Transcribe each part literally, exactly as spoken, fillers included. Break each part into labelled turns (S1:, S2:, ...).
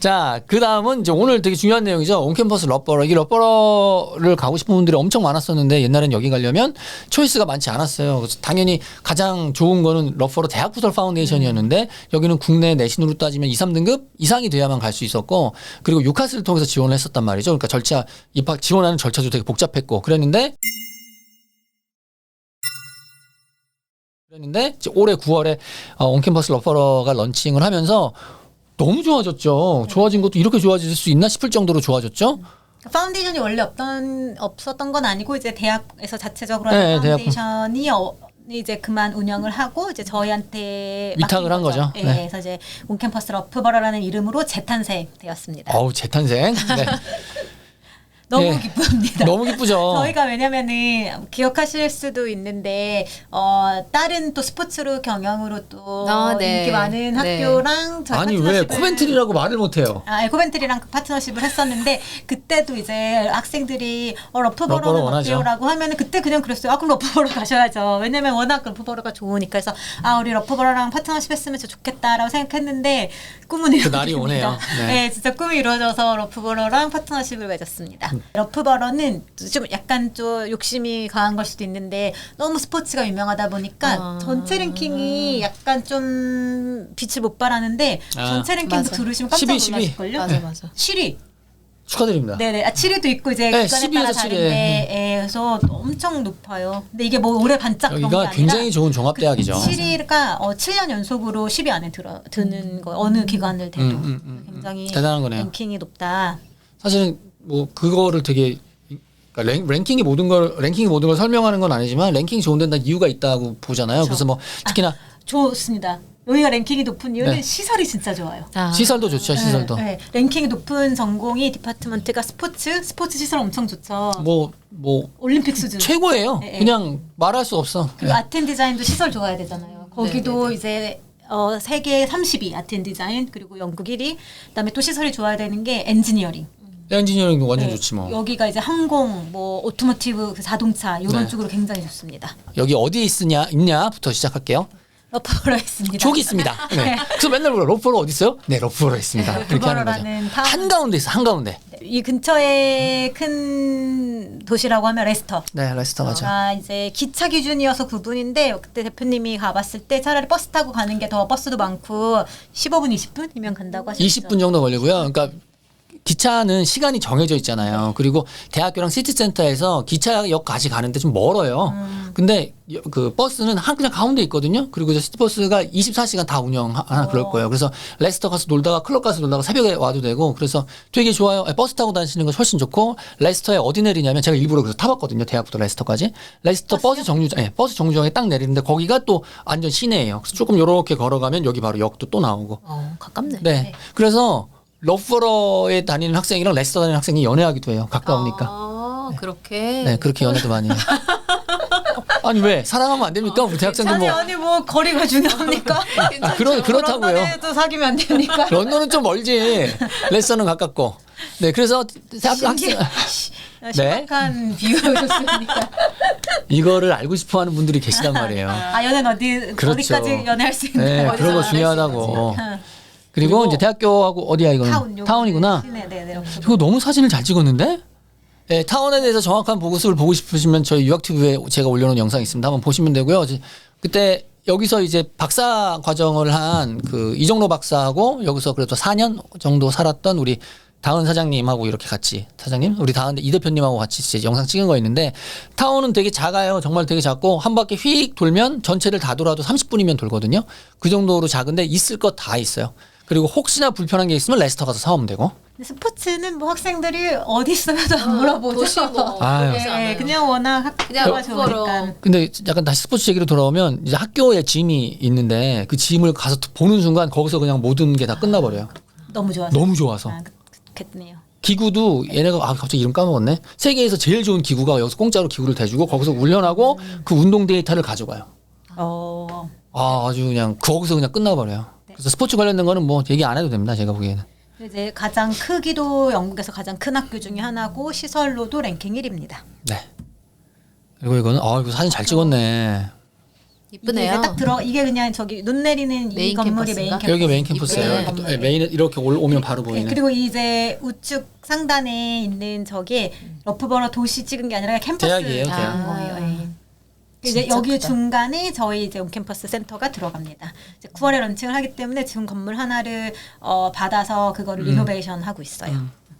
S1: 자, 그 다음은 이제 오늘 되게 중요한 내용이죠. 온캠퍼스 러버러. 이 러버러를 가고 싶은 분들이 엄청 많았었는데 옛날엔 여기 가려면 초이스가 많지 않았어요. 그래서 당연히 가장 좋은 거는 러버러 대학부설 파운데이션이었는데 음. 여기는 국내 내신으로 따지면 이, 삼 등급 이상이 돼야만 갈 수 있었고 그리고 유카스를 통해서 지원을 했었단 말이죠. 그러니까 절차, 입학 지원하는 절차도 되게 복잡했고 그랬는데 그랬는데 이제 올해 구월에 어, 온캠퍼스 러버러가 런칭을 하면서 너무 좋아졌죠. 좋아진 것도 이렇게 좋아질 수 있나 싶을 정도로 좋아졌죠.
S2: 파운데이션이 원래 없던 없었던 건 아니고 이제 대학에서 자체적으로
S1: 네,
S2: 하는 파운데이션이 어, 이제 그만 운영을 하고 이제 저희한테
S1: 위탁을 한 거죠.
S2: 네,
S1: 네.
S2: 그래서 이제 온캠퍼스 러프버러라는 이름으로 재탄생되었습니다.
S1: 어우 재탄생. 네.
S2: 너무
S1: 네.
S2: 기쁩니다.
S1: 너무 기쁘죠.
S2: 저희가 왜냐면은 기억하실 수도 있는데 어 다른 또 스포츠로 경영으로 또
S3: 아, 네.
S2: 인기 많은
S3: 네.
S2: 학교랑 저희
S1: 아니 왜
S2: 파트너십을-
S1: 코멘트리라고 말을 못해요.
S2: 아, 코멘트리랑 파트너십을 했었는데 그때도 이제 학생들이 어, 러프버러는
S1: 러프버러 원하죠.
S2: 어때요라고 하면은 그때 그냥 그랬어요. 아 그럼 러프버러 가셔야죠. 왜냐면 워낙 러프버러가 좋으니까. 그래서 아 우리 러프버러랑 파트너십 했으면 진짜 좋겠다라고 생각했는데 꿈은
S1: 그
S2: 이루어집니다.
S1: 날이 오네요. 네.
S2: 네, 진짜 꿈이 이루어져서 러프버러랑 파트너십을 맺었습니다. 러프버러는 좀 약간 좀 욕심이 강한 걸 수도 있는데 너무 스포츠가 유명하다 보니까
S3: 아.
S2: 전체 랭킹이 약간 좀 빛을 못 발하는데
S1: 아.
S2: 전체 랭킹도
S3: 맞아.
S2: 들으시면 깜짝
S1: 십이, 십이.
S2: 놀라실걸요?
S3: 맞아 맞아.
S2: 칠 위.
S1: 축하드립니다.
S2: 네네. 아, 칠 위도 있고 이제
S1: 네,
S2: 기관에
S1: 십이에서
S2: 따라
S1: 칠 위.
S2: 다른데 예, 그래서 엄청 높아요. 근데 이게 뭐 올해 반짝 그런 게
S1: 여기가
S2: 아니라
S1: 굉장히 좋은 종합대학이죠.
S2: 칠 위가 어, 칠 년 연속으로 십 위 안에 들어 드는 거 어느 기관을 대도
S1: 음, 음, 음,
S2: 굉장히
S1: 대단한 거네요.
S2: 랭킹이 높다.
S1: 사실은 뭐 그거를 되게 그러니까 랭, 랭킹이 모든 걸 랭킹이 모든 걸 설명하는 건 아니지만 랭킹이 좋은 데는 다 이유가 있다고 보잖아요. 그래서 뭐 특히나
S2: 좋습니다. 여기가 랭킹이 높은 이유는
S1: 네.
S2: 시설이 진짜 좋아요.
S3: 아.
S1: 시설도 좋죠. 시설도.
S2: 네, 네. 랭킹이 높은 전공이 디파트먼트가 스포츠, 스포츠 시설 엄청 좋죠.
S1: 뭐 뭐
S2: 올림픽 수준.
S1: 최고예요.
S2: 네, 네.
S1: 그냥 말할 수 없어.
S2: 그리고
S1: 네.
S2: 아트 앤 디자인도 시설 좋아야 되잖아요. 거기도
S3: 네, 네, 네.
S2: 이제 어, 세계 삼십 위 아트 앤 디자인 그리고 영국 일 위. 그다음에 또 시설이 좋아야 되는 게 엔지니어링.
S1: 엔지니어링도 완전
S2: 네.
S1: 좋지 뭐.
S2: 여기가 이제 항공, 뭐 오토모티브, 그 자동차 이런
S1: 네.
S2: 쪽으로 굉장히 좋습니다.
S1: 여기 어디에 있으냐 있냐부터 시작할게요.
S2: 러프버러 있습니다.
S1: 저기 있습니다. 네. 그래서 맨날 물어 러프버러 어디 있어요? 네, 러프버러 있습니다.
S2: 네,
S1: 그렇게 하는 거죠.
S2: 러프버러라는 타운.
S1: 한 가운데 있어, 한 가운데.
S2: 이 근처에 큰 도시라고 하면 레스터.
S1: 네, 레스터 맞아.
S2: 아 이제 기차 기준이어서 구 분인데 그때 대표님이 가봤을 때 차라리 버스 타고 가는 게 더 버스도 많고 십오 분, 이십 분이면 간다고 하셨죠.
S1: 이십 분 정도 걸리고요. 그러니까 기차는 시간이 정해져 있잖아요. 그리고 대학교랑 시티센터에서 기차역까지 가는데 좀 멀어요.
S2: 음.
S1: 근데 여- 그 버스는 한 그냥 가운데 있거든요. 그리고 이제 시티버스가 이십사 시간 다 운영하나 그럴 거예요. 그래서 레스터 가서 놀다가 클럽 가서 놀다가 새벽에 와도 되고 그래서 되게 좋아요. 버스 타고 다니시는 거 훨씬 좋고 레스터에 어디 내리냐면 제가 일부러 그래서 타봤거든요. 대학부터 레스터까지. 레스터 버스 정류장, 네, 버스 정류장에 딱 내리는데 거기가 또 완전 시내예요. 그래서 조금 요렇게 걸어가면 여기 바로 역도 또 나오고.
S3: 어, 가깝네.
S1: 네.
S2: 네.
S1: 그래서 러프버러에 다니는 학생이랑 레스터 다니는 학생이 연애하기도 해요. 가까우니까.
S3: 아, 그렇게.
S1: 네, 그렇게 연애도 많이 해요. 아니 왜 사랑하면 안 됩니까? 우리 대학생들
S2: 아니
S1: 뭐
S2: 아니 뭐 거리가 중요합니까?
S1: 아, 그러 그렇다고요.
S2: 런던에도 사귀면 안 됩니까?
S1: 런던은 좀 멀지. 레스터는 가깝고. 네, 그래서 대학 학생
S2: 심각한 비유였습니까?
S1: 이거를 알고 싶어하는 분들이 계시단 말이에요.
S2: 아 연애는 어디
S1: 그렇죠.
S2: 어디까지 연애할 수 있는?
S1: 네,
S3: 어디서
S1: 그런 거
S3: 안
S1: 중요하다고.
S2: 응.
S1: 그리고,
S2: 그리고
S1: 이제 대학교하고 어디야 이거는
S2: 타운
S1: 타운이구나.
S2: 네, 네, 네.
S1: 이거 너무 사진을 잘 찍었는데? 네, 타운에 대해서 정확한 보고서를 보고 싶으시면 저희 유학튜브에 제가 올려놓은 영상이 있습니다. 한번 보시면 되고요. 그때 여기서 이제 박사 과정을 한 그 이정로 박사하고 여기서 그래도 사 년 정도 살았던 우리 다은 사장님하고 이렇게 같이 사장님 우리 다은 이 대표님하고 같이 이제 영상 찍은 거 있는데 타운은 되게 작아요. 정말 되게 작고 한 바퀴 휙 돌면 전체를 다 돌아도 삼십 분이면 돌거든요. 그 정도로 작은데 있을 것 다 있어요. 그리고 혹시나 불편한 게 있으면 레스터 가서 사오면 되고.
S2: 근데 스포츠는 뭐 학생들이 어디 있어도 안 물어보죠.
S3: 도시 뭐.
S1: 아유.
S3: 그러지
S2: 네,
S3: 않아요.
S2: 그냥 워낙
S3: 그냥
S2: 학교가 좋으니까.
S1: 근데 약간 다시 스포츠 얘기로 돌아오면 이제 학교에 짐이 있는데 그 짐을 가서 보는 순간 거기서 그냥 모든 게 다 끝나버려요.
S2: 너무 좋아서.
S1: 너무 좋아서.
S2: 아, 그- 그렇겠네요.
S1: 기구도 얘네가 아 갑자기 이름 까먹었네. 세계에서 제일 좋은 기구가 여기서 공짜로 기구를 대주고 거기서 훈련하고 그 운동 데이터를 가져가요.
S2: 어.
S1: 아 아주 그냥 거기서 그냥 끝나버려요. 그래서 스포츠 관련된 거는 뭐 얘기 안 해도 됩니다. 제가 보기에는.
S2: 이제 가장 크기도 영국에서 가장 큰 학교 중에 하나고 시설로도 랭킹 일 위입니다.
S1: 네. 그리고 이거는 아 이거 사진 잘 찍었네.
S3: 이쁘네요.
S2: 이게 딱 들어 이게 그냥 저기 눈 내리는 이
S3: 메인
S2: 건물이 메인
S3: 캠퍼스인가?
S2: 캠퍼스.
S1: 여기 메인 캠퍼스예요.
S3: 네.
S1: 또, 예, 메인 이렇게 올- 오면 바로
S2: 네,
S1: 보이는.
S2: 그리고 이제 우측 상단에 있는 저게 러프버러 도시 찍은 게 아니라 캠퍼스
S1: 대학이에요,
S2: 찍은
S1: 대학.
S2: 거예요. 예. 이제
S3: 진짜
S2: 여기
S3: 크다.
S2: 중간에 저희 이제 온캠퍼스 센터가 들어갑니다. 이제 구월에 런칭을 하기 때문에 지금 건물 하나를 어, 받아서 그거를
S1: 음.
S2: 리노베이션 하고 있어요.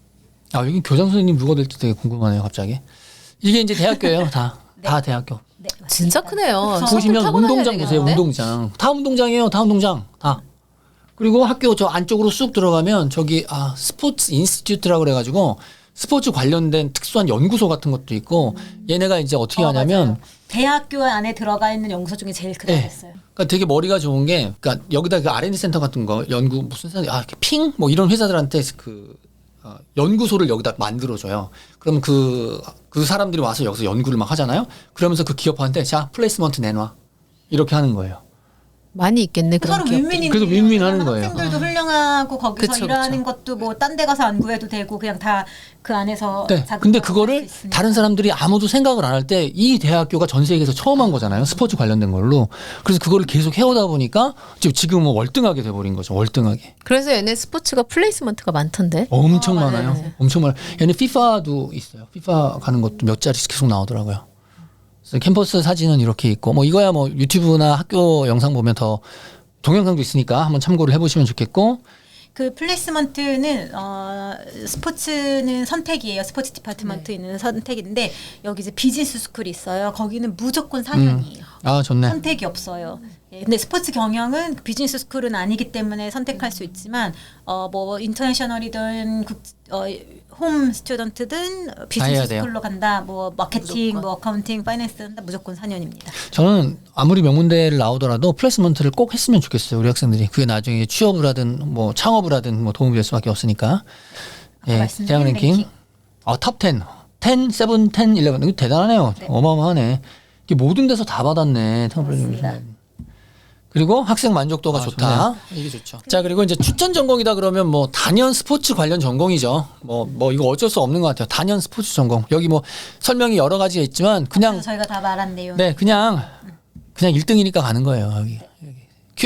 S1: 아 여기 교장 선생님 누가 될지 되게 궁금하네요. 갑자기. 이게 이제 대학교예요. 다.
S2: 네.
S1: 다 대학교.
S2: 네, 맞습니다.
S3: 진짜 크네요.
S2: 그래서
S1: 보시면
S3: 타고 다녀야
S1: 운동장 보세요.
S3: 되겠는데?
S1: 운동장. 다 운동장이에요. 다 운동장. 다. 그리고 학교 저 안쪽으로 쑥 들어가면 저기 아 스포츠 인스티튜트라고 그래가지고 스포츠 관련된 특수한 연구소 같은 것도 있고 얘네가 이제 어떻게
S2: 어,
S1: 하냐면
S2: 맞아요. 대학교 안에 들어가 있는 연구소 중에 제일 크다고
S1: 네.
S2: 했어요.
S1: 그러니까 되게 머리가 좋은 게 그러니까 여기다 그 알앤디 센터 같은 거 연구 무슨 센터 아 이렇게 핑 뭐 이런 회사들한테 그 어, 연구소를 여기다 만들어줘요. 그럼 그, 그 사람들이 와서 여기서 연구를 막 하잖아요. 그러면서 그 기업한테 자 플레이스먼트 내놔 이렇게 하는 거예요.
S3: 많이 있겠네. 그런
S2: 서로
S3: 기업들이.
S2: 윈윈이네요.
S1: 그래서 윈윈하는 거예요.
S2: 학생들도 훌륭하고 거기서
S3: 그쵸,
S2: 일하는
S3: 그쵸.
S2: 것도 뭐 딴 데 가서 안 구해도 되고 그냥 다 그 안에서
S1: 네.
S2: 자극
S1: 근데
S2: 받을
S1: 그거를
S2: 수 있으니까.
S1: 다른 사람들이 아무도 생각을 안 할 때 이 대학교가 전 세계에서 처음 한 거잖아요. 스포츠 관련된 걸로. 그래서 그거를 계속 해오다 보니까 지금 지금은 월등하게 돼버린 거죠. 월등하게.
S3: 그래서 얘네 스포츠가 플레이스먼트가 많던데.
S1: 엄청
S2: 어, 맞아요.
S1: 많아요.
S2: 맞아요.
S1: 엄청 많아요. 얘네 피파도 있어요. 피파 가는 것도 몇 자리씩 계속 나오더라고요. 그래서 캠퍼스 사진은 이렇게 있고 뭐 이거야 뭐 유튜브나 학교 영상 보면 더 동영상도 있으니까 한번 참고를 해보시면 좋겠고
S2: 그 플레이스먼트는 어, 스포츠는 선택이에요. 스포츠 디파트먼트 있는 선택인데 여기 이제 비즈니스 스쿨이 있어요. 거기는 무조건 사 년이에요.
S1: 아 좋네.
S2: 선택이 없어요. 예, 근데 스포츠 경영은 비즈니스 스쿨은 아니기 때문에 선택할 수 있지만 어 뭐 인터내셔널이든 국, 어, 홈 스튜던트든
S1: 해야
S2: 비즈니스
S1: 돼요.
S2: 스쿨로 간다. 뭐 마케팅,
S3: 무조건.
S2: 뭐 어카운팅, 파이낸스 한다. 무조건 사 년입니다.
S1: 저는 아무리 명문대를 나오더라도 플레이스먼트를 꼭 했으면 좋겠어요. 우리 학생들이. 그게 나중에 취업을 하든 뭐 창업을 하든 뭐 도움이 될 수밖에 없으니까.
S2: 아까
S1: 예,
S2: 말씀드린
S1: 대학 랭킹.
S2: 랭킹.
S1: 아, 탑 텐. 텐, 세븐, 텐, 일레븐. 이거 대단하네요.
S2: 네.
S1: 어마어마하네. 이게 모든 데서 다 받았네.
S2: 그렇습니다.
S1: 그리고 학생 만족도가
S2: 아,
S1: 좋다. 이게 좋죠. 자, 그리고 이제 추천 전공이다 그러면 뭐 단연 스포츠 관련 전공이죠. 뭐, 뭐 이거 어쩔 수 없는 것 같아요. 단연 스포츠 전공. 여기 뭐 설명이 여러 가지가 있지만 그냥
S2: 그래서 저희가 다 말한 내용.
S1: 네, 그냥 그냥 일 등이니까 가는 거예요. 여기. 여기.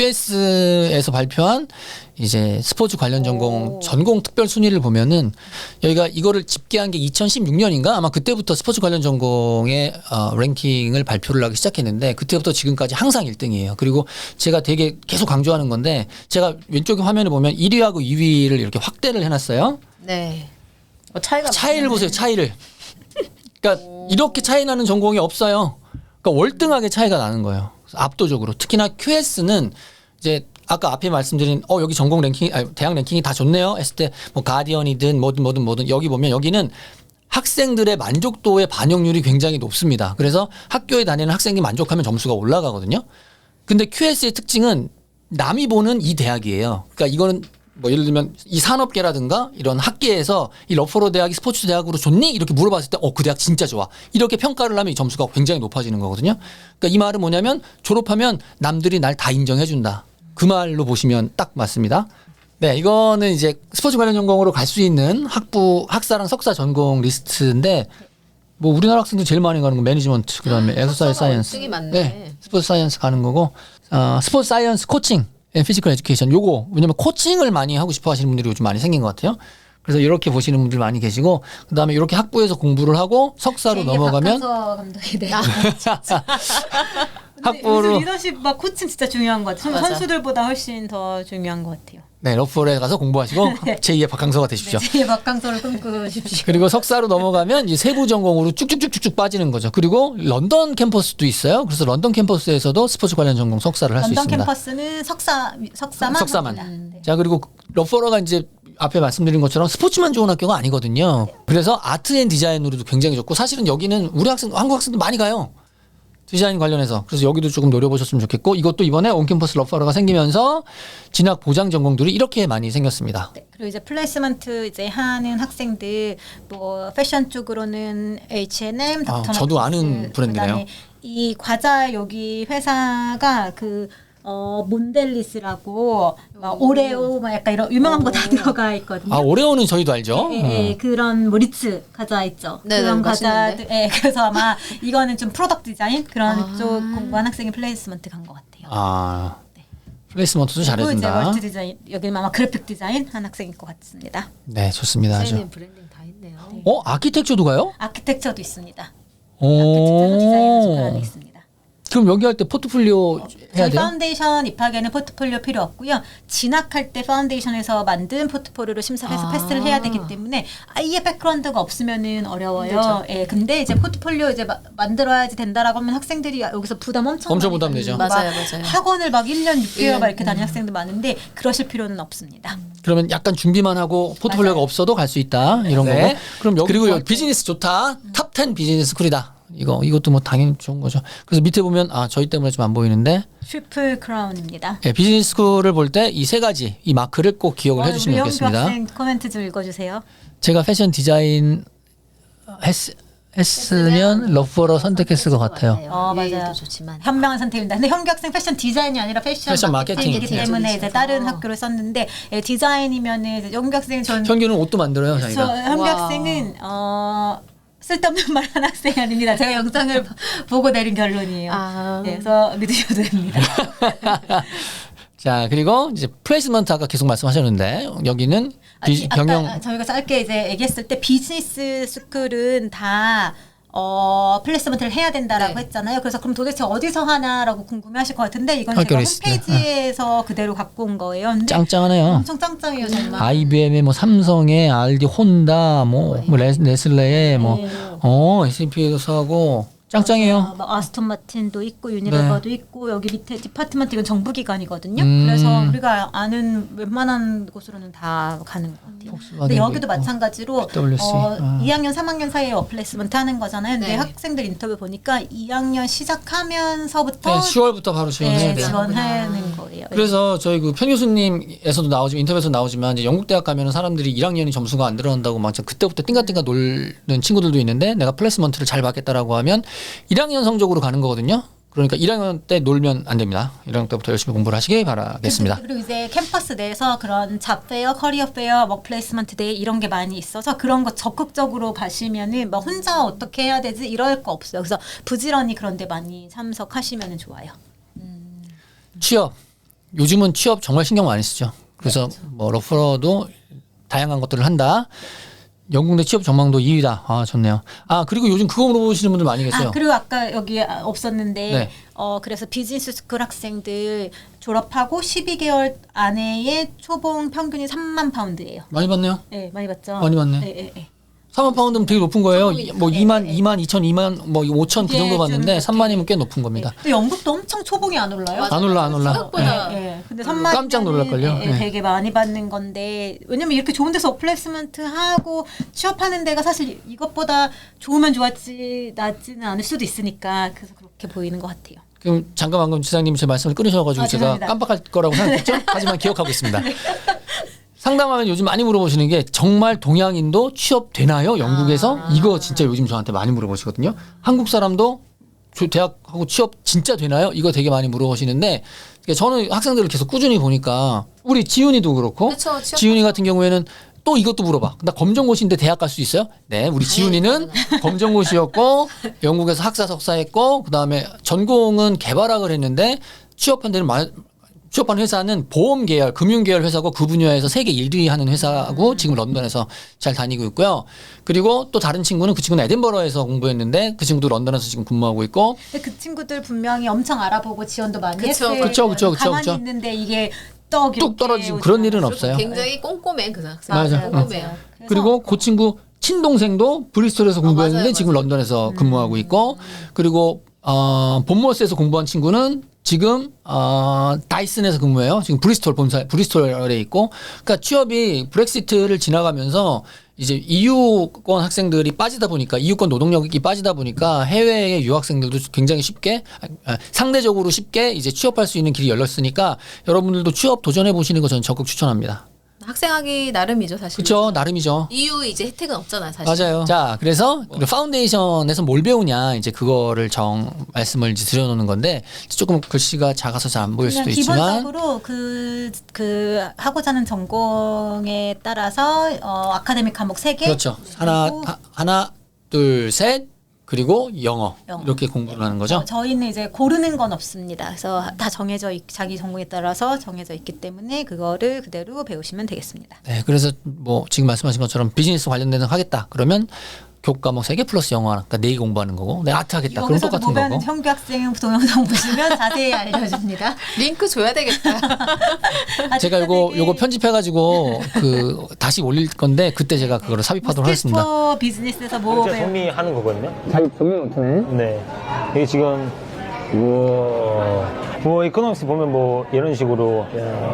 S1: 큐에스에서 발표한 이제 스포츠 관련 전공
S2: 오.
S1: 전공 특별 순위를 보면은 여기가 이거를 집계한 게 이천십육 년인가 아마 그때부터 스포츠 관련 전공의 어, 랭킹을 발표를 하기 시작했는데 그때부터 지금까지 항상 일 등이에요. 그리고 제가 되게 계속 강조하는 건데 제가 왼쪽에 화면을 보면 일 위하고 이 위를 이렇게 확대를 해놨어요.
S3: 네. 어, 차이가
S1: 차이를 보세요. 차이를. 그러니까 이렇게 차이 나는 전공이 없어요. 그러니까 월등하게 차이가 나는 거예요. 압도적으로. 특히나 큐에스는 이제 아까 앞에 말씀드린 어 여기 전공 랭킹 아니, 대학 랭킹이 다 좋네요 했을 때 뭐 가디언이든 뭐든 뭐든 뭐든 여기 보면 여기는 학생들의 만족도의 반영률이 굉장히 높습니다. 그래서 학교에 다니는 학생이 만족하면 점수가 올라가거든요. 근데 큐에스의 특징은 남이 보는 이 대학이에요. 그러니까 이거는 뭐 예를 들면 이 산업계라든가 이런 학계에서 이 러퍼로 대학이 스포츠 대학으로 좋니? 이렇게 물어봤을 때 어 그 대학 진짜 좋아. 이렇게 평가를 하면 이 점수가 굉장히 높아지는 거거든요. 그러니까 이 말은 뭐냐면 졸업하면 남들이 날 다 인정해 준다. 그 말로 보시면 딱 맞습니다. 네, 이거는 이제 스포츠 관련 전공으로 갈 수 있는 학부 학사랑 석사 전공 리스트인데 뭐 우리나라 학생들 제일 많이 가는 건 매니지먼트 그다음에 엑서사이즈 사이언스.
S3: 월등히 많네.
S1: 네, 스포츠 사이언스 가는 거고 어, 스포츠 사이언스 코칭, 피지컬 에듀케이션 요거 왜냐면 코칭을 많이 하고 싶어 하시는 분들이 요즘 많이 생긴 것 같아요. 그래서 이렇게 보시는 분들 많이 계시고 그다음에 이렇게 학부에서 공부를 하고 석사로
S2: 제이의
S1: 넘어가면
S2: 박항서 감독이 네.
S1: 학부로
S2: 리더십 막 코칭 진짜 중요한 것 같아요.
S3: 맞아.
S2: 선수들보다 훨씬 더 중요한 것 같아요.
S1: 네, 러프홀에 가서 공부하시고 제이의 박항서가 되십시오.
S2: 네, 제이의 박항서를 꿈꾸십시오.
S1: 그리고 석사로 넘어가면 이제 세부 전공으로 쭉쭉쭉쭉 빠지는 거죠. 그리고 런던 캠퍼스도 있어요. 그래서 런던 캠퍼스에서도 스포츠 관련 전공 석사를 할 수
S2: 런던
S1: 있습니다.
S2: 캠퍼스는 석사 석사만
S1: 석사만.
S2: 합니다. 네.
S1: 자, 그리고 러퍼러가 이제 앞에 말씀드린 것처럼 스포츠만 좋은 학교가 아니거든요. 그래서 아트 앤 디자인으로도 굉장히 좋고 사실은 여기는 우리 학생, 한국 학생도 많이 가요. 디자인 관련해서. 그래서 여기도 조금 노려보셨으면 좋겠고 이것도 이번에 온캠퍼스 러퍼러가 생기면서 진학 보장 전공들이 이렇게 많이 생겼습니다.
S2: 네, 그리고 이제 플레이스먼트 이제 하는 학생들 뭐 패션 쪽으로는 에이치 앤 엠,
S1: 아,
S2: 닥터
S1: 저도
S2: 마틴스,
S1: 아는 브랜드네요.
S2: 그다음에 이 과자 여기 회사가 그 어 몬델리스라고 막 오레오 막 약간 이런 유명한 거 다 들어가 있거든요.
S1: 아 오레오는 저희도 알죠.
S2: 예, 예, 예. 그런 뭐 리츠 과자 있죠.
S3: 네네,
S2: 그런
S3: 맛있는데.
S2: 과자들. 예, 그래서 아마 이거는 좀 프로덕트 디자인 그런
S3: 아.
S2: 쪽 공부한 학생이 플레이스먼트 간 것 같아요.
S1: 아 플레이스먼트도
S2: 그리고 이제
S1: 잘해준다.
S2: 멀티 디자인 여기는 아마 그래픽 디자인 한 학생일 것 같습니다.
S1: 네 좋습니다. 아주.
S3: 디자인 브랜딩 다 있네요.
S1: 어 아키텍처도 가요?
S2: 아키텍처도 있습니다. 아키텍처도 디자인을 접근하는 데
S1: 오.
S2: 있습니다.
S1: 그럼 여기 할 때 포트폴리오 해야
S2: 저희
S1: 돼요?
S2: 파운데이션 입학에는 포트폴리오 필요 없고요. 진학할 때 파운데이션에서 만든 포트폴리오로 심사해서
S3: 아.
S2: 패스를 해야 되기 때문에 아예 백그라운드가 없으면은 어려워요. 예, 근데 이제 포트폴리오 이제 마, 만들어야지 된다라고 하면 학생들이 여기서 부담 엄청
S1: 엄청
S2: 많이
S1: 부담 되죠.
S2: 받는 거,
S3: 맞아요,
S2: 막
S3: 맞아요.
S2: 학원을 막 일 년 육 개월 막
S3: 일 년,
S2: 이렇게 다니는 학생들 많은데 그러실 필요는 없습니다.
S1: 그러면 약간 준비만 하고 포트폴리오가
S2: 맞아요.
S1: 없어도 갈 수 있다 이런
S2: 네.
S1: 거고. 그럼 여기 그리고 여기 비즈니스 좋다. 탑 텐 비즈니스 스쿨이다. 이거 이것도 뭐 당연히 좋은 거죠. 그래서 밑에 보면 아 저희 때문에 좀 안 보이는데
S2: 트리플 크라운입니다.
S1: 예, 비즈니스 스쿨을 볼 때 이 세 가지 이 마크를 꼭 기억을
S2: 어,
S1: 해주시면
S2: 우리 영규
S1: 좋겠습니다.
S2: 학생 코멘트 좀 읽어주세요.
S1: 제가 패션 디자인 했, 했으면 러프어로 선택했을 것 같아요.
S2: 어, 맞아요.
S3: 유에이도 좋지만
S2: 현명한 선택입니다. 근데 현규 학생 패션 디자인이 아니라 패션,
S1: 패션
S2: 마케팅이기
S1: 마케팅이죠.
S2: 때문에 이제 다른
S3: 어.
S2: 학교를 썼는데 예, 디자인이면은 이제 현규 학생은 전
S1: 현규는 옷도 만들어요,
S2: 저
S1: 자기가.
S2: 현규
S3: 와.
S2: 학생은 어 쓸데없는 말 하는 학생이 아닙니다. 제가 영상을 보고 내린 결론이에요.
S3: 아.
S2: 네, 그래서 믿으셔도 됩니다.
S1: 자 그리고 이제 플레이스먼트 아까 계속 말씀하셨는데 여기는 비,
S2: 아니,
S1: 경영
S2: 아까 저희가 짧게 이제 얘기했을 때 비즈니스 스쿨은 다 어, 플레이스먼트를 해야 된다라고
S3: 네.
S2: 했잖아요. 그래서 그럼 도대체 어디서 하나라고 궁금해하실 것 같은데 이건 제가
S1: 학교 리스트.
S2: 홈페이지에서 그대로 갖고 온 거예요. 근데
S1: 짱짱하네요.
S2: 엄청 짱짱해요, 정말.
S1: 아이비엠의 뭐 삼성의 알디 혼다 뭐, 뭐 레, 네슬레의 뭐
S2: 네.
S1: 어 에스피에도 사고 짱짱해요.
S2: 아, 막 아스톤 마틴도 있고 유니레버도 있고 여기 밑에 디파트먼트 이건 정부기관이거든요.
S1: 음.
S2: 그래서 우리가 아는 웬만한 곳으로는 다 가는 것 같아요. 근데 여기도 마찬가지로
S1: 피더블유씨.
S2: 어,
S1: 아.
S2: 이 학년, 삼 학년 사이에 어플레이스먼트 하는 거잖아요. 근데
S3: 네.
S2: 학생들 인터뷰 보니까 이 학년 시작하면서부터
S1: 네, 시월부터 바로 지원해야
S2: 네,
S1: 돼요.
S2: 지원하는 거예요.
S1: 그래서 저희 그 편 교수님에서도 나오지만 인터뷰에서 나오지만 이제 영국 대학 가면은 사람들이 일 학년이 점수가 안 들어간다고 막 진짜 그때부터 띵가띵가 놀는 친구들도 있는데 내가 플레이스먼트를 잘 받겠다라고 하면 일 학년 성적으로 가는 거거든요. 그러니까 일 학년 때 놀면 안 됩니다. 일 학년 때부터 열심히 공부를 하시기 바라겠습니다.
S2: 그리고 이제 캠퍼스 내에서 그런 잡페어, 커리어 페어, 워 플레이스먼트 데이 이런 게 많이 있어서 그런 거 적극적으로 가시면은 막 혼자 어떻게 해야 되지 이럴 거 없어요. 그래서 부지런히 그런 데 많이 참석하시면 좋아요.
S1: 취업. 요즘은 취업 정말 신경 많이 쓰죠. 그래서 뭐 러프러도 다양한 것들을 한다. 영국 내 취업 전망도 이 위다. 아 좋네요. 아 그리고 요즘 그거 물어보시는 분들 많이 계세요.
S2: 아 그리고 아까 여기 없었는데
S1: 네.
S2: 어 그래서 비즈니스 스쿨 학생들 졸업하고 십이 개월 안에의 초봉 평균이 삼만 파운드예요.
S1: 많이 받네요.
S2: 네, 많이 받죠.
S1: 많이 받네.
S2: 네, 네, 네.
S1: 삼만 파운드면 되게 높은 거예요. 뭐
S2: 네,
S1: 이만,
S2: 네.
S1: 이만, 이천, 이만, 뭐 오천 그
S2: 예,
S1: 정도
S2: 좀
S1: 받는데
S2: 그렇게.
S1: 삼만이면 꽤 높은 겁니다.
S2: 근데 영국도 엄청 초봉이 안 올라요.
S1: 안 올라, 안 올라.
S3: 생각보다
S2: 네, 네. 근데 삼만
S1: 깜짝 놀랄걸요? 네.
S2: 되게 많이 받는 건데 왜냐면 이렇게 좋은 데서 어플레이스먼트 하고 취업하는 데가 사실 이것보다 좋으면 좋았지 낫지는 않을 수도 있으니까 그래서 그렇게 보이는 것 같아요.
S1: 그럼 잠깐 방금 지사님이 제 말씀을 끊으셔가지고
S2: 아,
S1: 제가
S2: 죄송합니다.
S1: 깜빡할 거라고 생각했죠? 하지만 기억하고 있습니다. 상담하면 요즘 많이 물어보시는 게 정말 동양인도 취업되나요? 영국에서?
S2: 아.
S1: 이거 진짜 요즘 저한테 많이 물어보시거든요. 한국 사람도 저 대학하고 취업 진짜 되나요? 이거 되게 많이 물어보시는데 저는 학생들을 계속 꾸준히 보니까 우리 지훈이도 그렇고
S3: 그쵸, 취업-
S1: 지훈이 같은 경우에는 또 이것도 물어봐. 나 검정고시인데 대학 갈 수 있어요? 네, 우리 지훈이는 검정고시였고 영국에서 학사 석사했고 그다음에 전공은 개발학을 했는데 취업한 데는 마, 취업한 회사는 보험 계열, 금융 계열 회사고 그 분야에서 세계 일 위 하는 회사고 지금 런던에서 잘 다니고 있고요. 그리고 또 다른 친구는 그 친구는 에든버러에서 공부했는데 그 친구도 런던에서 지금 근무하고 있고
S2: 근데 그 친구들 분명히 엄청 알아보고 지원도 많이
S3: 그쵸,
S2: 했어요.
S1: 그쵸, 그쵸, 그쵸,
S2: 가만히
S1: 그쵸.
S2: 있는데 이게 떡
S1: 뚝 떨어지고 그런 일은 없어요.
S3: 굉장히 꼼꼼해 그 학생.
S1: 맞아.
S3: 꼼꼼해요.
S1: 그리고 그 친구 친동생도 브리스톨에서 공부했는데
S3: 맞아요,
S1: 지금
S3: 맞아요.
S1: 런던에서 근무하고 있고 그리고 어, 본머스에서 공부한 친구는 지금 어, 다이슨에서 근무해요. 지금 브리스톨 본사 브리스톨에 있고 그러니까 취업이 브렉시트를 지나가면서 이제 이유권 학생들이 빠지다 보니까 이유권 노동력이 빠지다 보니까 해외의 유학생들도 굉장히 쉽게 아, 상대적으로 쉽게 이제 취업할 수 있는 길이 열렸으니까 여러분들도 취업 도전해 보시는 거 저는 적극 추천합니다.
S3: 학생하기 나름이죠 사실.
S1: 그렇죠. 나름이죠.
S3: 이후 이제 혜택은 없잖아요 사실.
S1: 맞아요. 자, 그래서 그 파운데이션에서 뭘 배우냐 이제 그거를 정 말씀을 이제 드려놓는 건데 조금 글씨가 작아서 잘 안 보일
S2: 그냥
S1: 수도 있지만
S2: 기본적으로 그, 그 하고자 하는 전공에 따라서 어, 아카데믹 과목 세 개
S1: 그렇죠. 하나 하, 하나 둘 셋 그리고 영어,
S2: 영어.
S1: 이렇게 공부를 하는 거죠.
S2: 어, 저희는 이제 고르는 건 없습니다. 그래서 다 정해져 있, 자기 전공에 따라서 정해져 있기 때문에 그거를 그대로 배우시면 되겠습니다.
S1: 네, 그래서 뭐 지금 말씀하신 것처럼 비즈니스 관련된 거 하겠다. 그러면 교과목 세 개 플러스 영어 하나, 그러니까 네 개 공부하는 거고. 내가 아트 하겠다. 그럼
S2: 여기서도
S1: 똑같은
S2: 보면
S1: 거고.
S2: 현규 학생 동영상 보시면 자세히 알려줍니다.
S3: 링크 줘야 되겠다.
S1: 제가 요거 요거 편집해가지고 그 다시 올릴 건데 그때 제가 그거를 삽입하도록 하겠습니다.
S2: 스케치포 비즈니스에서 뭐
S4: 진짜
S2: 배우
S4: 정리하는 거거든요.
S1: 자기 정리 못하네.
S4: 네. 이게 지금 우와. 뭐 이코노믹스 보면 뭐 이런 식으로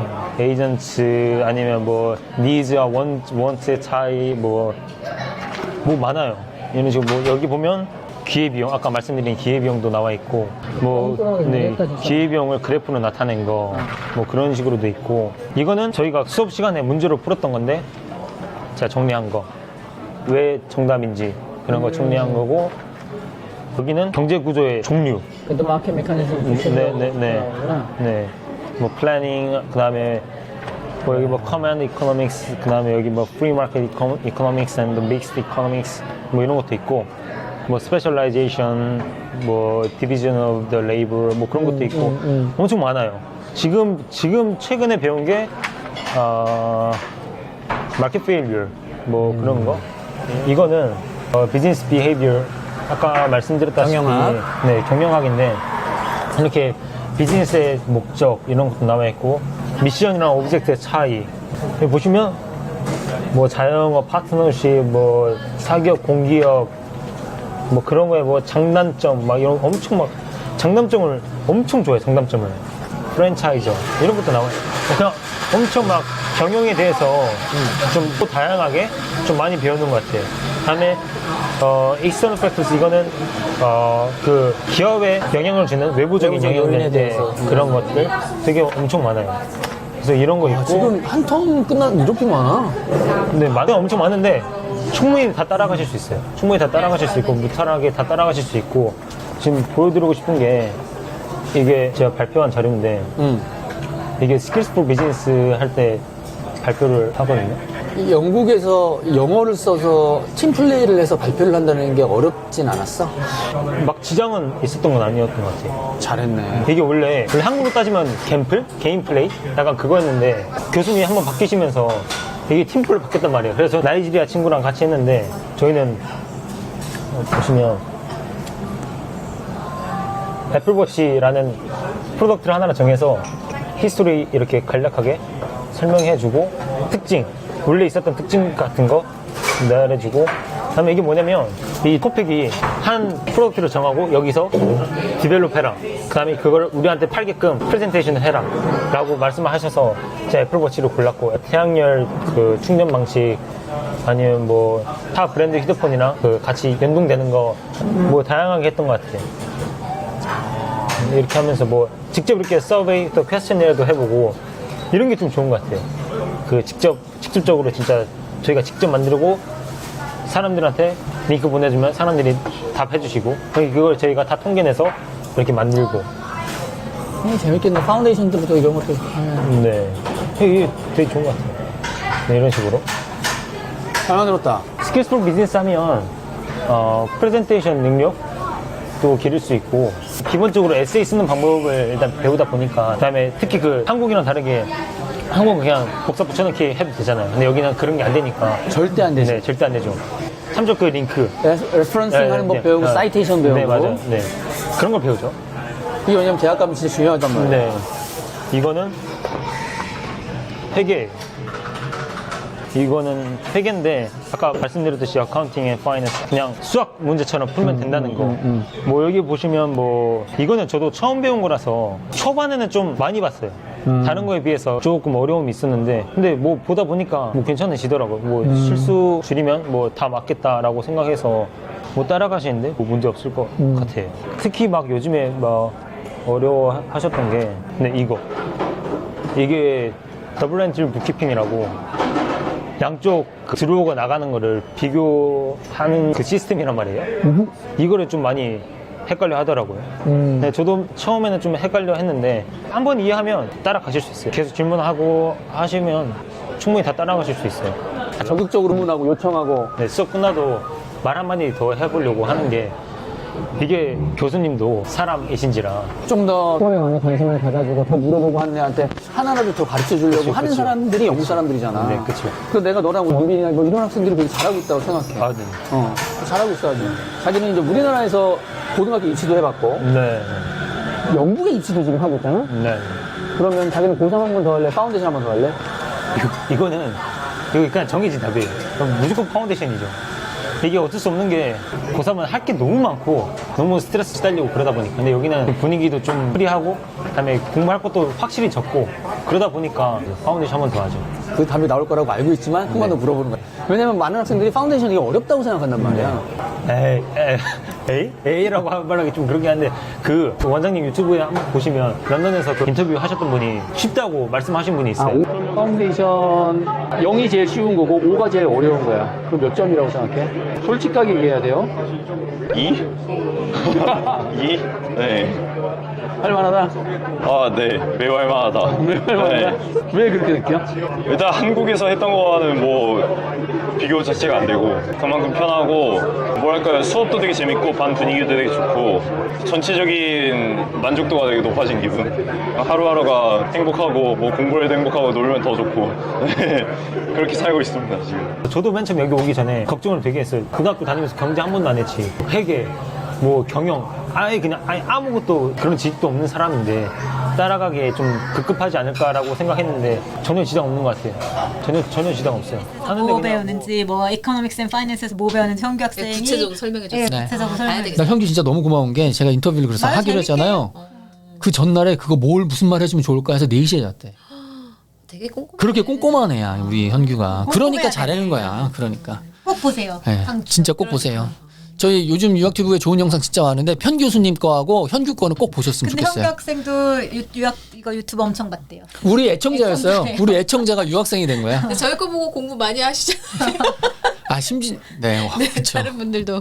S4: 에이전트 아니면 뭐 니즈와 원 원트의 차이 뭐 뭐 많아요. 이런 식으로 뭐 여기 보면 기회비용 아까 말씀드린 기회비용도 나와 있고 뭐 네, 기회비용을 그래프로 나타낸 거 뭐 그런 식으로도 있고 이거는 저희가 수업 시간에 문제로 풀었던 건데 제가 정리한 거 왜 정답인지 그런 거 정리한 거고 여기는 경제 구조의 종류
S1: 그래도 마켓 메커니즘
S4: 네네네 네. 뭐 플래닝 그다음에 뭐 여기 뭐 커맨드 이코노믹스 그다음에 여기 뭐 프리 마켓 이코노믹스 앤드 믹스드 이코노믹스 뭐 이런 것도 있고 뭐 스페셜라이제이션 뭐 디비전 오브 더 레이버 뭐 그런 것도 있고
S1: 음, 음.
S4: 엄청 많아요. 지금 지금 최근에 배운 게 어, 마켓 페일리어 뭐
S1: 음.
S4: 그런 거 이거는 어, 비즈니스 비헤이비어 아까 말씀드렸다시피
S1: 경영학.
S4: 네 경영학인데 이렇게 비즈니스의 목적 이런 것도 나와 있고 미션이랑 오브젝트의 차이 여기 보시면 뭐 자영업 파트너십 뭐 사기업 공기업 뭐 그런 거에 뭐 장단점 막 이런 엄청 막 장단점을 엄청 좋아해. 장단점을 프랜차이저 이런 것도 나와요. 그냥 엄청 막 경영에 대해서 좀 또 다양하게 좀 많이 배우는 것 같아요. 다음에 어 external factors 이거는 어그 기업에 영향을 주는 외부적인
S1: 외부적인
S4: 영향에
S1: 요인에
S4: 대해서
S1: 대해서.
S4: 그런 것들 되게 엄청 많아요. 그래서 이런 거 있고
S1: 지금 한 턴 끝난 이렇게 많아.
S4: 근데 많이 엄청 많은데 충분히 다 따라가실 수 있어요. 충분히 다 따라가실 수 있고 무탈하게 다 따라가실 수 있고 지금 보여드리고 싶은 게 이게 제가 발표한 자료인데
S1: 음.
S4: 이게 스킬스 포 비즈니스 할 때 발표를 하거든요.
S1: 이 영국에서 영어를 써서 팀 플레이를 해서 발표를 한다는 게 어렵진 않았어?
S4: 막 지장은 있었던 건 아니었던 것 같아요.
S1: 잘했네.
S4: 이게 원래, 원래 한국으로 따지면 갬플? 개인 플레이? 약간 그거였는데 교수님이 한번 바뀌시면서 이게 팀플로 바뀌었단 말이에요. 그래서 나이지리아 친구랑 같이 했는데 저희는 어, 보시면 애플워치라는 프로덕트를 하나를 정해서 히스토리 이렇게 간략하게 설명해주고 특징, 원래 있었던 특징 같은 거 말해주고 그다음에 이게 뭐냐면 이 토픽이 한 프로덕트를 정하고 여기서 디벨롭 해라 그 다음에 그걸 우리한테 팔게끔 프레젠테이션을 해라 라고 말씀을 하셔서 제가 애플워치를 골랐고 태양열 그 충전 방식 아니면 뭐 타 브랜드 휴대폰이랑 그 같이 연동되는 거 뭐 다양하게 했던 것 같아요. 이렇게 하면서 뭐 직접 이렇게 서베이 또 퀘스천이라도 해보고 이런 게 좀 좋은 것 같아요. 그 직접 직접적으로 진짜 저희가 직접 만들고 사람들한테 링크 보내주면 사람들이 답해주시고 그걸 저희가 다 통계내서 이렇게 만들고.
S1: 음, 재밌겠네. 파운데이션 때부터 이런 것도 하면.
S4: 네, 이게 되게 좋은 것 같아요. 네, 이런 식으로.
S1: 잘 만들었다.
S4: 스킬스 포 비즈니스 하면 어, 프레젠테이션 능력도 기를 수 있고 기본적으로 에세이 쓰는 방법을 일단 배우다 보니까 그다음에 특히 그 한국이랑 다르게 한국은 그냥 복사 붙여넣기 해도 되잖아요. 근데 여기는 그런 게 안 되니까
S1: 절대 안 되지.
S4: 네, 절대 안 되죠. 참조 그 링크
S1: 레퍼런싱
S4: 네,
S1: 하는 법
S4: 네,
S1: 배우고
S4: 네.
S1: 사이테이션 배우고.
S4: 네, 맞아요. 네, 그런 걸 배우죠.
S1: 이게 왜냐면 대학 가면 진짜 중요하단 말이야.
S4: 네, 이거는 회계. 이거는 회계인데 아까 말씀드렸듯이 어카운팅 앤 파이낸스 그냥 수학 문제처럼 풀면 된다는 거. 뭐 여기 보시면 뭐 이거는 저도 처음 배운 거라서 초반에는 좀 많이 봤어요. 다른 거에 비해서 조금 어려움이 있었는데 근데 뭐 보다 보니까 뭐 괜찮으시더라고요. 뭐 실수 줄이면 뭐 다 맞겠다라고 생각해서 뭐 따라가시는데 뭐 문제 없을 것 같아요. 특히 막 요즘에 막 어려워 하셨던 게 근데 이거 이게 더블 엔트리 북키핑이라고 양쪽 그 들어오고 나가는 거를 비교하는 그 시스템이란 말이에요.
S1: 음.
S4: 이거를 좀 많이 헷갈려 하더라고요.
S1: 음.
S4: 네, 저도 처음에는 좀 헷갈려 했는데 한 번 이해하면 따라가실 수 있어요. 계속 질문하고 하시면 충분히 다 따라가실 수 있어요.
S1: 적극적으로 문하고 요청하고.
S4: 네, 수업 끝나도 말 한마디 더 해보려고 하는 게 이게 교수님도 사람이신지라
S1: 좀 더 수업에 관해 관심을 가져주고 더 물어보고 하는 애한테 하나라도 더 가르쳐 주려고
S4: 그치,
S1: 하는
S4: 그치.
S1: 사람들이 영국 사람들이잖아.
S4: 네, 그쵸.
S1: 그 내가 너랑 원빈이나 뭐 이런 학생들이 되게 잘하고 있다고 생각해.
S4: 아, 네.
S1: 어, 잘하고 있어야지. 자기는 이제 우리나라에서 고등학교 입시도 해봤고,
S4: 네,
S1: 영국에 입시도 지금 하고 있잖아?
S4: 네.
S1: 그러면 자기는 고삼 한 번 더 할래? 파운데이션 한 번 더 할래?
S4: 이거, 이거는 이거 그냥 정해진 답이에요. 그럼 무조건 파운데이션이죠. 이게 어쩔 수 없는 게 고삼은 할 게 너무 많고 너무 스트레스 시달리고 그러다 보니까 근데 여기는 분위기도 좀 프리하고 그다음에 공부할 것도 확실히 적고 그러다 보니까 파운데이션 한 번 더 하죠.
S1: 그 답이 나올 거라고 알고 있지만 한 번 더 물어보는 거야. 왜냐면 많은 학생들이 파운데이션이 어렵다고 생각한단 말이야.
S4: 에이, 에이, 에이? 에이라고 말하기 좀 그렇긴 한데 그 원장님 유튜브에 한번 보시면 런던에서 그 인터뷰 하셨던 분이 쉽다고 말씀하신 분이
S1: 아,
S4: 있어요.
S1: 오, 파운데이션 영이 제일 쉬운 거고 오가 제일 어려운 거야. 그럼 몇 점이라고 생각해? 솔직하게 얘기해야 돼요.
S5: 이? 이? 네.
S1: 할만하다.
S5: 아, 네. 매우 할만하다.
S1: 왜 할만하다?
S5: 네.
S1: 왜 그렇게 느껴?
S5: 일단 한국에서 했던 거와는 뭐 비교 자체가 안 되고 그만큼 편하고 뭐랄까요 수업도 되게 재밌고 반 분위기도 되게 좋고 전체적인 만족도가 되게 높아진 기분. 하루하루가 행복하고 뭐 공부를 해도 행복하고 놀면 더 좋고 네. 그렇게 살고 있습니다 지금.
S4: 저도 맨 처음 여기 오기 전에 걱정을 되게 했어요. 고등학교 다니면서 경제 한 번도 안 했지. 회계, 뭐 경영, 아예 그냥 아예 아무것도 그런 지식도 없는 사람인데 따라가기에 좀 급급하지 않을까라고 생각했는데 전혀 지장 없는 것 같아요. 전혀 전혀 지장 없어요. 하는데
S2: 뭐
S4: 그냥
S2: 배우는지 뭐 이코노믹스 앤 파이낸스에서 뭐 배우는지 현규 학생이
S3: 구체적으로 설명해 줬어요.
S2: 예,
S1: 네.
S2: 구체적으로
S3: 아,
S2: 설명해
S3: 봐야
S2: 줬어요.
S3: 되겠다.
S1: 나 현규 진짜 너무 고마운 게 제가 인터뷰를 그래서
S2: 말
S1: 하기로
S2: 재밌게
S1: 했잖아요. 그 전날에 그거 뭘 무슨 말 해주면 좋을까 해서 네 시에 잤대.
S3: 되게 꼼꼼해.
S1: 그렇게 꼼꼼한 애야 우리 현규가. 그러니까
S2: 꼼꼼해야
S1: 잘하는
S2: 돼.
S1: 거야. 그러니까.
S2: 꼭 보세요.
S1: 네,
S2: 강추.
S1: 진짜 꼭 보세요. 저희 요즘 유학튜브에 좋은 영상 진짜 많은데 편 교수님 거하고 현규 거는 꼭 보셨으면
S2: 근데 현규
S1: 좋겠어요.
S2: 학생도 유, 유학 이거 유튜브 엄청 봤대요.
S1: 우리 애청자였어요.
S2: 애청자예요.
S1: 우리 애청자가 유학생이 된 거야.
S3: 근데 저희 거 보고 공부 많이 하시잖아요.
S1: 아 심지 네, 와, 그렇죠.
S3: 다른 분들도.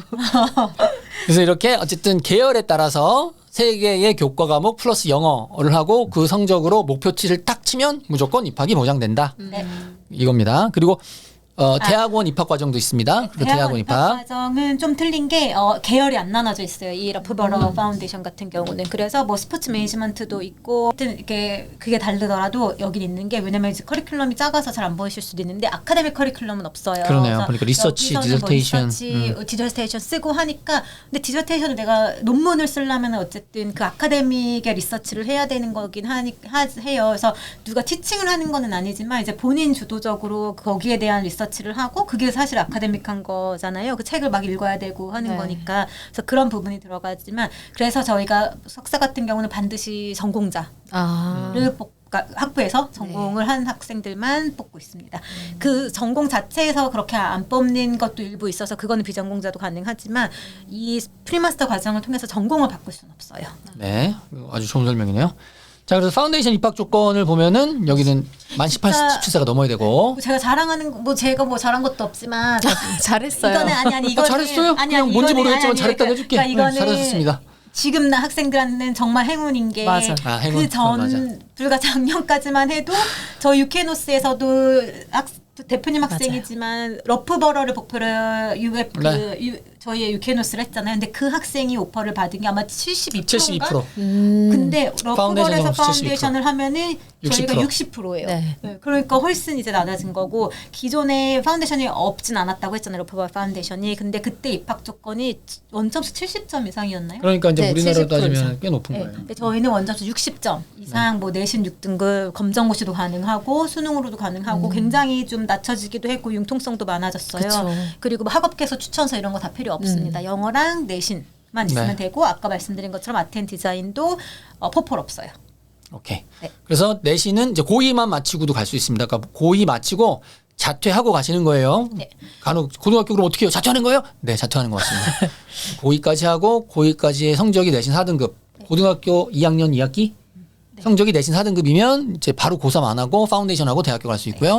S1: 그래서 이렇게 어쨌든 계열에 따라서 세 개의 교과 과목 플러스 영어를 하고 그 성적으로 목표치를 딱 치면 무조건 입학이 보장된다.
S2: 네.
S1: 이겁니다. 그리고 어, 대학원 입학 과정도 있습니다. 그
S2: 대학원 입학 과정은 좀 틀린 게 어, 계열이 안 나눠져 있어요. 이 러프버러 파운데이션 같은 경우는 그래서 뭐 스포츠 매니지먼트도 있고 하여튼 이렇게 그게 다르더라도 여긴 있는 게 왜냐면 이제 커리큘럼이 작아서 잘 안 보이실 수도 있는데 아카데믹 커리큘럼은 없어요.
S1: 그러네요.
S2: 그래서
S1: 그러니까 리서치,
S2: 여기서는 뭐
S1: 디저테이션.
S2: 리서치,
S1: 음.
S2: 디저테이션 쓰고 하니까 근데 디저테이션을 내가 논문을 쓰려면 어쨌든 그 아카데믹의 리서치를 해야 되는 거긴 하니 하, 해요. 그래서 누가 티칭을 하는 거는 아니지만 이제 본인 주도적으로 거기에 대한 리서치를 하고 그게 사실 아카데믹한 거잖아요. 그 책을 막 읽어야 되고 하는
S3: 네.
S2: 거니까 그래서 그런 부분이 들어가지만 그래서 저희가 석사 같은 경우는 반드시 전공자를
S3: 아.
S2: 뽑 그러니까 학부에서 전공을 한 학생들만 뽑고 있습니다. 그 전공 자체에서 그렇게 안 뽑는 것도 일부 있어서 그거는 비전공자도 가능하지만 이 프리마스터 과정을 통해서 전공을 바꿀 수는 없어요.
S1: 네, 아주 좋은 설명이네요. 자, 그래서 파운데이션 입학 조건을 보면은 여기는 만 십팔,
S2: 진짜-
S1: 십칠 세가 넘어야 되고.
S2: 뭐 제가 자랑하는 거- 뭐 제가 뭐 잘한 것도 없지만
S3: 잘했어요.
S2: 이거는 아니 아니 이거
S1: 아, 잘했어요? 그냥 뭔지 모르겠지만 잘했다고 해줄게. 네,
S2: 이거는
S1: 잘하셨습니다.
S2: 지금 나 학생들한테는 정말 행운인 게
S3: 맞아.
S1: 아, 행운.
S2: 그 전
S1: 맞아.
S2: 불과 작년까지만 해도 저 유케노스에서도 학, 대표님 학생이지만 러프버러를 목표로 유에 그
S1: 네.
S2: 유, 저희의 유케노스를 했잖아요. 근데 그 학생이 오퍼를 받은 게 아마 칠십이 퍼센트인가?
S1: 칠십이 퍼센트.
S3: 음.
S2: 근데
S1: 파운데이션
S2: 러프버러에서
S1: 영어에서
S2: 파운데이션을 하면은
S1: 육십
S2: 저희가
S1: 퍼센트.
S2: 육십 퍼센트예요.
S3: 네.
S2: 그러니까 훨씬 이제 낮아진 거고 기존에 파운데이션이 없진 않았다고 했잖아요. 러프버러 파운데이션이. 근데 그때 입학 조건이 원점수 칠십 점 이상이었나요?
S1: 그러니까 이제
S3: 네,
S1: 우리나라로
S3: 칠십 퍼센트
S1: 따지면 꽤 높은
S2: 네.
S1: 거예요.
S2: 근데 저희는 원점수 육십 점 이상 뭐 내신 육 등급 검정고시도 가능하고 수능으로도 가능하고 굉장히 좀 낮춰지기도 했고 융통성도 많아졌어요.
S3: 그쵸.
S2: 그리고 뭐 학업계서 추천서 이런 거 다 필요 없습니다. 영어랑 내신만 있으면
S1: 네.
S2: 되고 아까 말씀드린 것처럼 아텐 디자인도 어, 포폴 없어요.
S1: 오케이.
S2: 네.
S1: 그래서 내신은 이제 고이만 마치고도 갈 수 있습니다. 그러니까 고이 마치고 자퇴하고 가시는 거예요.
S2: 네.
S1: 간혹 고등학교 그럼 어떻게 해요? 자퇴하는 거예요? 네, 자퇴하는 것 같습니다. 고이까지 하고 고이까지의 성적이 내신 사 등급. 고등학교 이 학년 이 학기 성적이 내신 사 등급이면 이제 바로 고삼 안 하고 파운데이션 하고 대학교 갈 수 있고요.
S2: 어,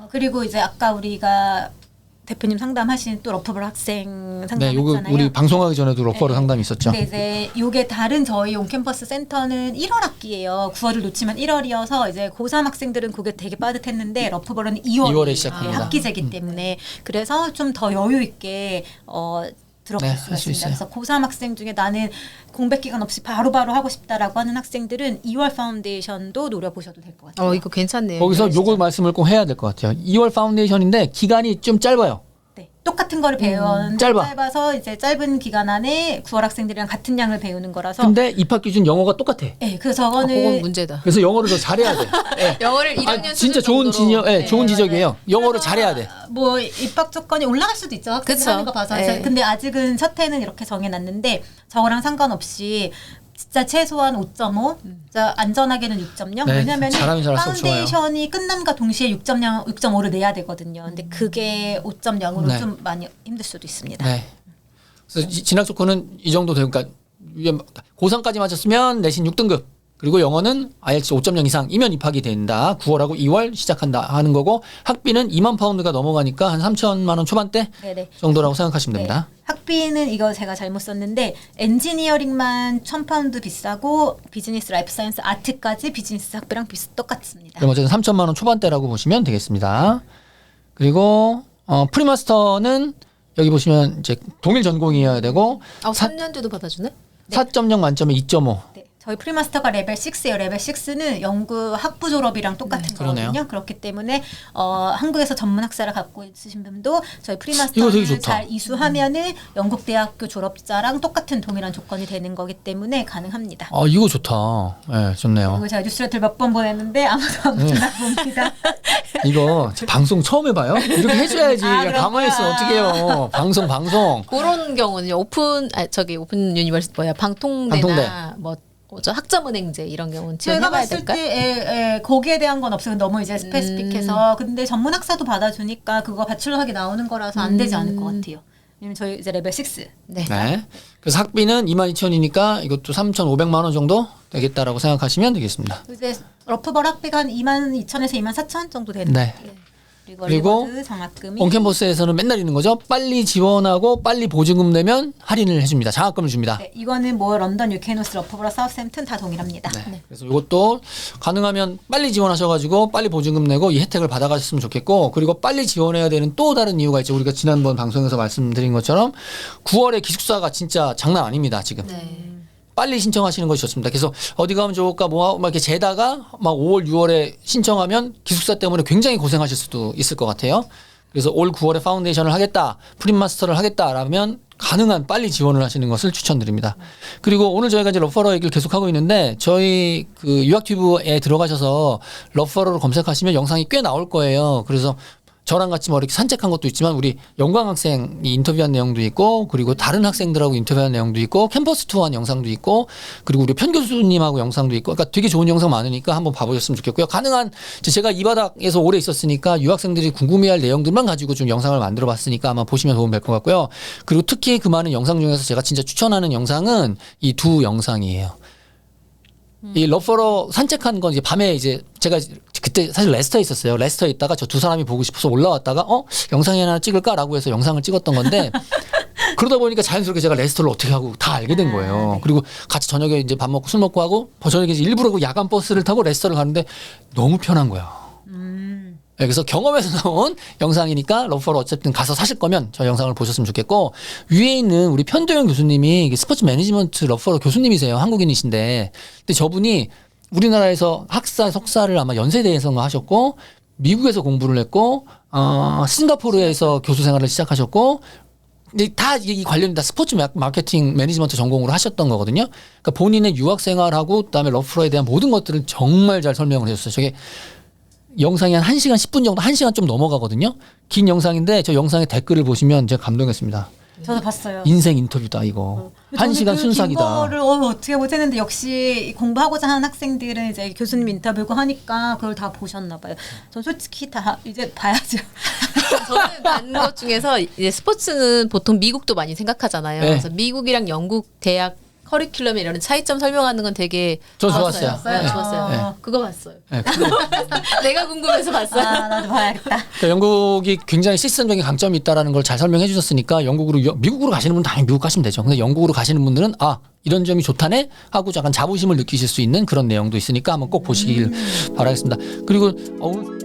S2: 어, 그리고 이제 아까 우리가 대표님 상담하신 또 러프벌 학생
S1: 네,
S2: 상담했잖아요.
S1: 요거 우리 방송하기 전에도 러퍼로
S2: 네.
S1: 상담이 있었죠.
S2: 근데 이제 요게 다른 저희 온캠퍼스 센터는 일월 학기예요. 구월을 놓치면 일월이어서 이제 고삼 학생들은 그게 되게 빠듯했는데 러프벌은 이월
S1: 이월에 시작합니다.
S2: 학기제기 때문에 그래서 좀 더 여유 있게 어 들어갈
S1: 네,
S2: 수가
S1: 할수
S2: 있습니다.
S1: 있어요.
S2: 그래서 고삼 학생 중에 나는 공백 기간 없이 바로바로 하고 싶다라고 하는 학생들은 이월 파운데이션도 노려보셔도 될 것 같아요.
S3: 어 이거 괜찮네요.
S1: 거기서 요거 말씀을 꼭 해야 될 것 같아요. 이월 파운데이션인데 기간이 좀 짧아요.
S2: 네, 똑같은 거를 배웠는데
S1: 짧아.
S2: 짧아서 이제 짧은 기간 안에 구월 학생들이랑 같은 양을 배우는 거라서
S1: 근데 입학 기준 영어가 똑같아.
S2: 네, 그래서
S3: 아, 그건
S2: 저거는
S3: 문제다.
S1: 그래서 영어를 더 잘해야 돼. 네.
S3: 영어를 일 학년
S1: 아, 진짜
S3: 수준
S1: 좋은
S3: 정도로.
S1: 지적, 예,
S2: 네,
S1: 좋은
S2: 맞아요.
S1: 지적이에요. 영어를
S2: 그래서
S1: 잘해야 돼.
S2: 뭐 입학 조건이 올라갈 수도 있죠. 학생들
S3: 그쵸.
S2: 하는 거 봐서.
S3: 네.
S2: 그래서 근데 아직은 첫 해는 이렇게 정해놨는데 저거랑 상관없이 진짜 최소한 오 점 오, 진짜 안전하게는 육 점 영.
S1: 네,
S2: 왜냐면
S1: 잘하면 잘할수록 좋아요.
S2: 파운데이션이 끝남과 동시에 육 점 영, 육 점 오를 내야 되거든요. 근데 그게 오 점 영으로
S1: 네.
S2: 좀 많이 힘들 수도 있습니다.
S1: 네. 그래서 이- 진학 조건은 이 정도 되고, 그러니까 위에 고삼까지 맞췄으면 내신 육 등급. 그리고 영어는 아이엘츠 오 점 영 이상이면 입학이 된다. 구월하고 이월 시작한다 하는 거고 학비는 이만 파운드가 넘어가니까 한 삼천만 원 초반대
S2: 네네.
S1: 정도라고 생각하시면 됩니다.
S2: 네. 학비는 이거 제가 잘못 썼는데 엔지니어링만 천 파운드 비싸고 비즈니스 라이프 사이언스 아트까지 비즈니스 학비랑 비슷 똑같습니다.
S1: 그럼 어쨌든 삼천만 원 초반대라고 보시면 되겠습니다. 그리고 어, 프리마스터는 여기 보시면 이제 동일 전공이어야 되고
S3: 아, 삼 년제도 받아주네?
S1: 사 점 영 만점에 이 점 오.
S2: 네, 저희 프리마스터가 레벨 육예요. 레벨 육는 연구 학부 졸업이랑 똑같은
S1: 그러네요.
S2: 거거든요. 그렇기 때문에 어, 한국에서 전문 학사를 갖고 있으신 분도 저희
S1: 이거 되게
S2: 프리마스터를
S1: 좋다.
S2: 잘 이수하면은 영국 대학교 졸업자랑 똑같은 동일한 조건이 되는 거기 때문에 가능합니다.
S1: 아 이거 좋다. 예, 좋네요.
S2: 이거 제가 뉴스레터를 몇 번 보냈는데 아무도 안
S1: 네.
S2: 보나 봅니다.
S1: 이거 방송 처음 해봐요? 이렇게 해줘야지.
S2: 아,
S1: 그냥 가만히 있으면
S2: 그렇구나.
S1: 어떡해요. 방송 방송.
S3: 그런 경우는 오픈 아 저기 오픈 유니버시티 뭐야 방통대나
S1: 방통대.
S3: 뭐 뭐죠 학점은행제 이런 경우는
S2: 제가
S3: 지원해봐야
S2: 봤을
S3: 될까?
S2: 때 에, 에, 거기에 대한 건 없어요. 너무 이제 스페시픽해서. 근데 전문 학사도 받아주니까 그거 바출러학위 나오는 거라서 안 되지 않을 것 같아요. 왜냐면 저희 이제 레벨 육.
S3: 네.
S1: 네. 그래서 학비는 이만 이천 원이니까 이것도 삼천오백만 원 정도 되겠다라고 생각하시면 되겠습니다.
S2: 이제 러프벌 학비가 한 이만 이천에서 이만 사천 정도 되는
S1: 네.
S2: 것 같아요. 그리고,
S1: 그리고
S2: 리버드 장학금이
S1: 온캠퍼스에서는 맨날 있는 거죠. 빨리 지원하고 빨리 보증금 내면 할인을 해줍니다. 장학금을 줍니다.
S2: 네, 이거는 뭐 런던, 유케노스, 러프벌, 사우스햄튼 다 동일합니다.
S1: 네. 그래서 이것도 가능하면 빨리 지원하셔가지고 빨리 보증금 내고 이 혜택을 받아가셨으면 좋겠고 그리고 빨리 지원해야 되는 또 다른 이유가 있죠. 우리가 지난번 방송에서 말씀드린 것처럼 구월에 기숙사가 진짜 장난 아닙니다. 지금.
S3: 네.
S1: 빨리 신청하시는 것이 좋습니다. 그래서 어디 가면 좋을까 뭐 막 이렇게 재다가 막 오월, 유월에 신청하면 기숙사 때문에 굉장히 고생하실 수도 있을 것 같아요. 그래서 올 구월에 파운데이션을 하겠다, 프린마스터를 하겠다라면 가능한 빨리 지원을 하시는 것을 추천드립니다. 그리고 오늘 저희가 이제 러퍼러 얘기를 계속하고 있는데 저희 그 유학튜브에 들어가셔서 러퍼러를 검색하시면 영상이 꽤 나올 거예요. 그래서 저랑 같이 뭐 이렇게 산책한 것도 있지만 우리 영광 학생이 인터뷰한 내용도 있고 그리고 다른 학생들하고 인터뷰한 내용도 있고 캠퍼스 투어한 영상도 있고 그리고 우리 편 교수님하고 영상도 있고 그러니까 되게 좋은 영상 많으니까 한번 봐보셨으면 좋겠고요. 가능한 제가 이 바닥에서 오래 있었으니까 유학생들이 궁금해할 내용들만 가지고 좀 영상을 만들어봤으니까 아마 보시면 도움 될 것 같고요. 그리고 특히 그 많은 영상 중에서 제가 진짜 추천하는 영상은 이 두 영상이에요. 이 러퍼러 산책한 건 이제 밤에 이제 제가 그때 사실 레스터에 있었어요. 레스터에 있다가 저 두 사람이 보고 싶어서 올라왔다가 어 영상이 하나 찍을까라고 해서 영상을 찍었던 건데 그러다 보니까 자연스럽게 제가 레스터를 어떻게 하고 다 알게 된 거예요. 그리고 같이 저녁에 이제 밥 먹고 술 먹고 하고 저녁에 이제 일부러 그 야간 버스를 타고 레스터를 가는데 너무 편한 거야. 네, 그래서 경험에서 나온 영상이니까 러퍼를 어쨌든 가서 사실 거면 저 영상을 보셨으면 좋겠고 위에 있는 우리 편도영 교수님이 스포츠 매니지먼트 러퍼러 교수님이세요. 한국인이신데 근데 저분이 우리나라에서 학사 석사를 아마 연세대에서 하셨고 미국에서 공부를 했고 어, 싱가포르에서 교수 생활을 시작하셨고 근데 다 이 관련이 다 스포츠 마케팅 매니지먼트 전공으로 하셨던 거거든요. 그러니까 본인의 유학 생활하고 그다음에 러퍼러에 대한 모든 것들을 정말 잘 설명을 해줬어요. 저게 영상이 한 한 시간 십 분 정도, 한 시간 좀 넘어가거든요. 긴 영상인데 저 영상의 댓글을 보시면 제가 감동했습니다.
S2: 저도 봤어요.
S1: 인생 인터뷰다 이거. 한 시간
S2: 저는 그
S1: 순삭이다.
S2: 긴 거를 어, 어떻게 못했는데 역시 공부하고자 하는 학생들은 이제 교수님 인터뷰고 하니까 그걸 다 보셨나 봐요. 전 솔직히 다 이제 봐야죠.
S3: 저는 간 것 중에서 이제 스포츠는 보통 미국도 많이 생각하잖아요.
S1: 네.
S3: 그래서 미국이랑 영국 대학 커리큘럼에 이런 차이점 설명하는 건 되게
S1: 저 좋았어요.
S3: 네,
S1: 네.
S3: 좋았어요.
S2: 네.
S3: 그거 봤어요.
S1: 네, 그거
S3: 내가 궁금해서 봤어요.
S2: 아 나도 봐야겠다.
S1: 그러니까 영국이 굉장히 시스템적인 강점이 있다라는 걸 잘 설명해 주셨으니까 영국으로 여- 미국으로 가시는 분은 당연히 미국 가시면 되죠. 근데 영국으로 가시는 분들은 아 이런 점이 좋다네 하고 약간 자부심을 느끼실 수 있는 그런 내용도 있으니까 한번 꼭 보시길 바라겠습니다. 그리고 어, 오늘